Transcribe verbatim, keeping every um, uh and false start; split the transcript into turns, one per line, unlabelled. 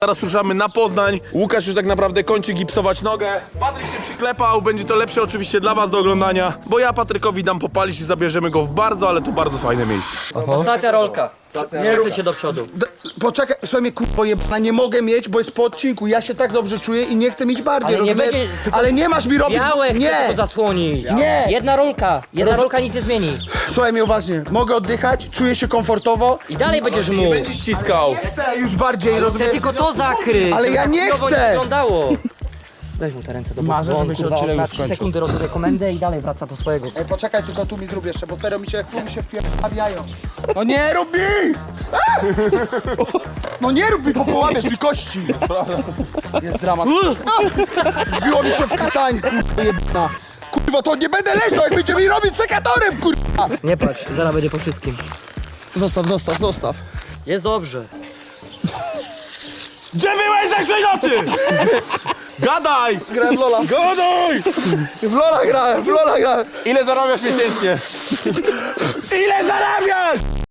Teraz ruszamy na Poznań. Łukasz już tak naprawdę kończy gipsować nogę. Patryk się przyklepał, będzie to lepsze oczywiście dla was do oglądania, bo ja Patrykowi dam popalić i zabierzemy go w bardzo, ale to bardzo fajne miejsce.
Ostatnia rolka. Nie
rób-
się do przodu.
D poczekaj, słuchaj mnie kurwa jebana, nie mogę mieć, bo jest po odcinku. Ja się tak dobrze czuję i nie chcę mieć bardziej,
Ale nie
rozumiesz?
będzie- tylko
Ale nie masz mi robić...
Białe chcę
nie!
tylko zasłonić.
Nie!
Jedna rolka. Jedna rolka nic nie zmieni.
Słuchaj mnie uważnie, mogę oddychać, czuję się komfortowo.
I dalej będziesz
Nie
mógł.
będziesz ściskał.
Chcę już bardziej,
Chcę
rozumiesz?
tylko to zakryć.
Ale
żeby
ja
tak
nie
chujowo
chcę.
wyglądało. Weź mu te ręce do boku.
Marzę,
bo on,
żeby się
kurwa,
odcinek
na
już
trzy
skończył.
sekundy rozumie komendę i dalej wraca do swojego.
Ej, poczekaj, tylko tu mi zrób jeszcze, bo serio mi się, tu mi się wpierdawiają. No nie rób mi! A! No nie rób mi, bo połamiesz mi kości. Jest dramat. A! Wbiło mi się w krtań, kurwa jebana. Kurwa, to nie będę leżał, jak będzie mi robić sekatorem, kurwa!
Nie patrz, zaraz będzie po wszystkim.
Zostaw, zostaw, zostaw.
Jest dobrze.
Gdzie byłeś zeszłej nocy? Gadaj!
Grałem w Lola.
Gadaj!
W Lola grałem, w Lola grałem.
Ile zarabiasz miesięcznie? Ile zarabiasz?